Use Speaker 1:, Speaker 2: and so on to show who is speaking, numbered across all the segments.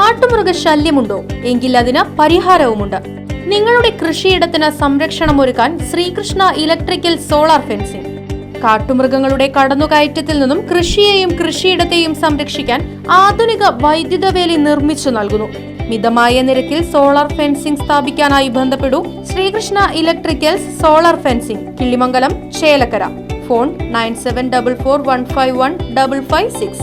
Speaker 1: കാട്ടുമൃഗശല്യമുണ്ടോ? എങ്കിൽ അതിന് പരിഹാരവുമുണ്ട്. നിങ്ങളുടെ കൃഷിയിടത്തിന് സംരക്ഷണമൊരുക്കാൻ ശ്രീകൃഷ്ണ ഇലക്ട്രിക്കൽ സോളാർ ഫെൻസിംഗ്. കാട്ടുമൃഗങ്ങളുടെ കടന്നുകയറ്റത്തിൽ നിന്നും കൃഷിയെയും കൃഷിയിടത്തെയും സംരക്ഷിക്കാൻ ആധുനിക വൈദ്യുത വേലി നിർമ്മിച്ചു നൽകുന്നു. മിതമായ നിരക്കിൽ സോളാർ ഫെൻസിംഗ് സ്ഥാപിക്കാനായി ബന്ധപ്പെടൂ. Sreekrishna electricals solar fencing, Killimangalam, Chelakkara. Phone 9744151556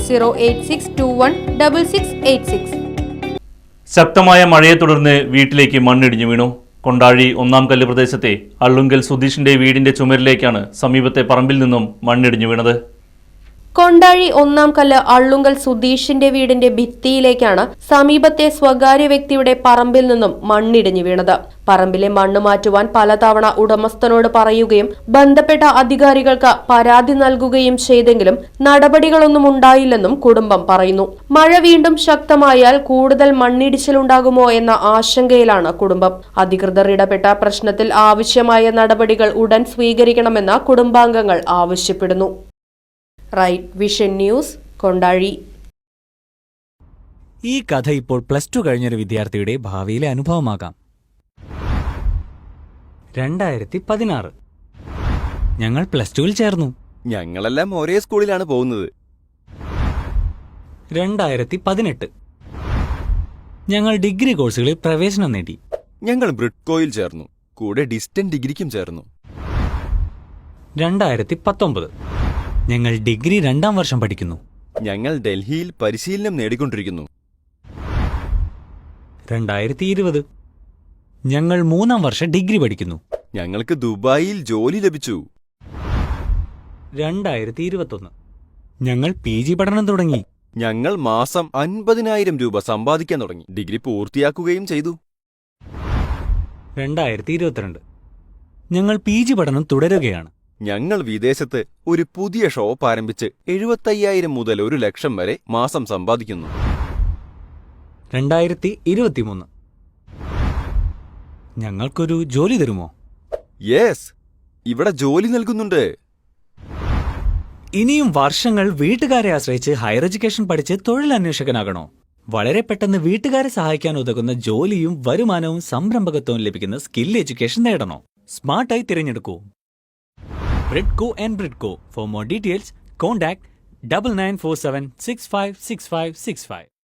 Speaker 1: 8086216686.
Speaker 2: ശക്തമായ മഴയെ തുടർന്ന് വീട്ടിലേക്ക് മണ്ണിടിഞ്ഞു വീണു. കൊണ്ടാഴി ഒന്നാം കല്ല് പ്രദേശത്തെ അള്ളുങ്കൽ സുധീഷിന്റെ വീടിന്റെ ചുമരിലേക്കാണ് സമീപത്തെ പറമ്പിൽ നിന്നും മണ്ണിടിഞ്ഞു വീണത്.
Speaker 1: കൊണ്ടാഴി ഒന്നാം കല്ല് അള്ളുങ്കൽ സുധീഷിന്റെ വീടിന്റെ ഭിത്തിയിലേക്കാണ് സമീപത്തെ സ്വകാര്യ വ്യക്തിയുടെ പറമ്പിൽ നിന്നും മണ്ണിടിഞ്ഞു വീണത്. പറമ്പിലെ മണ്ണ് മാറ്റുവാൻ പലതവണ ഉടമസ്ഥനോട് പറയുകയും ബന്ധപ്പെട്ട അധികാരികൾക്ക് പരാതി നൽകുകയും ചെയ്തെങ്കിലും നടപടികളൊന്നും ഉണ്ടായില്ലെന്നും കുടുംബം പറയുന്നു. മഴ വീണ്ടും ശക്തമായാൽ കൂടുതൽ മണ്ണിടിച്ചിലുണ്ടാകുമോ എന്ന ആശങ്കയിലാണ് കുടുംബം. അധികൃതർ ഇടപെട്ട പ്രശ്നത്തിൽ ആവശ്യമായ നടപടികൾ ഉടൻ സ്വീകരിക്കണമെന്ന് കുടുംബാംഗങ്ങൾ ആവശ്യപ്പെടുന്നു. Right vision news, Kondazhy.
Speaker 3: ഈ കഥ ഇപ്പോൾ +2 കഴിഞ്ഞൊരു വിദ്യാർത്ഥിയുടെ ഭാവിയിലെ അനുഭവമാകാം. 2016 ഞങ്ങൾ +2-ൽ ചേർന്നു.
Speaker 4: ഞങ്ങളെല്ലാം ഒരേ സ്കൂളിലാണ് പോകുന്നത്.
Speaker 3: 2018 ഞങ്ങൾ ഡിഗ്രി കോഴ്സുകളിൽ പ്രവേശനം നേടി.
Speaker 4: ഞങ്ങൾ ബ്രിഡ്കോയിൽ ചേർന്നു. കൂടെ ഡിസ്റ്റന്റ് ഡിഗ്രിക്കും ചേർന്നു.
Speaker 3: 2019 ഞങ്ങൾ ഡിഗ്രി 2ാം വർഷം പഠിക്കുന്നു.
Speaker 4: ഞങ്ങൾ ഡൽഹിയിൽ പരിശീലനം നേടിക്കൊണ്ടിരിക്കുന്നു.
Speaker 3: 2020 ഞങ്ങൾ 3ാം വർഷം ഡിഗ്രി പഠിക്കുന്നു.
Speaker 4: ഞങ്ങൾക്ക് ദുബായിൽ ജോലി ലഭിച്ചു.
Speaker 3: 2021 ഞങ്ങൾ PG പഠനം തുടങ്ങി.
Speaker 4: ഞങ്ങൾ മാസം 50,000 രൂപ സമ്പാദിക്കാൻ തുടങ്ങി. ഡിഗ്രി പൂർത്തിയാക്കുകയും ചെയ്തു.
Speaker 3: 2022 ഞങ്ങൾ PG പഠനം തുടരുകയാണ്.
Speaker 4: ഞങ്ങൾ വിദേശത്ത് ഒരു പുതിയ ഷോപ്പ് ആരംഭിച്ച് 75,000 മുതൽ 1,00,000 വരെ മാസം സമ്പാദിക്കുന്നു.
Speaker 3: 2023 ഞങ്ങൾക്കൊരു ജോലി തരുമോ?
Speaker 4: യെസ്, ഇവിടെ ജോലി നൽകുന്നുണ്ട്.
Speaker 3: ഇനിയും വർഷങ്ങൾ വീട്ടുകാരെ ആശ്രയിച്ച് ഹയർ എഡ്യൂക്കേഷൻ പഠിച്ച് തൊഴിലന്വേഷകനാകണോ? വളരെ പെട്ടെന്ന് വീട്ടുകാരെ സഹായിക്കാൻ ഉതകുന്ന ജോലിയും വരുമാനവും സംരംഭകത്വവും ലഭിക്കുന്ന സ്കിൽ എഡ്യൂക്കേഷൻ നേടണോ? സ്മാർട്ടായി തിരഞ്ഞെടുക്കൂ Bridco and Bridco. For more details, contact 9947656565.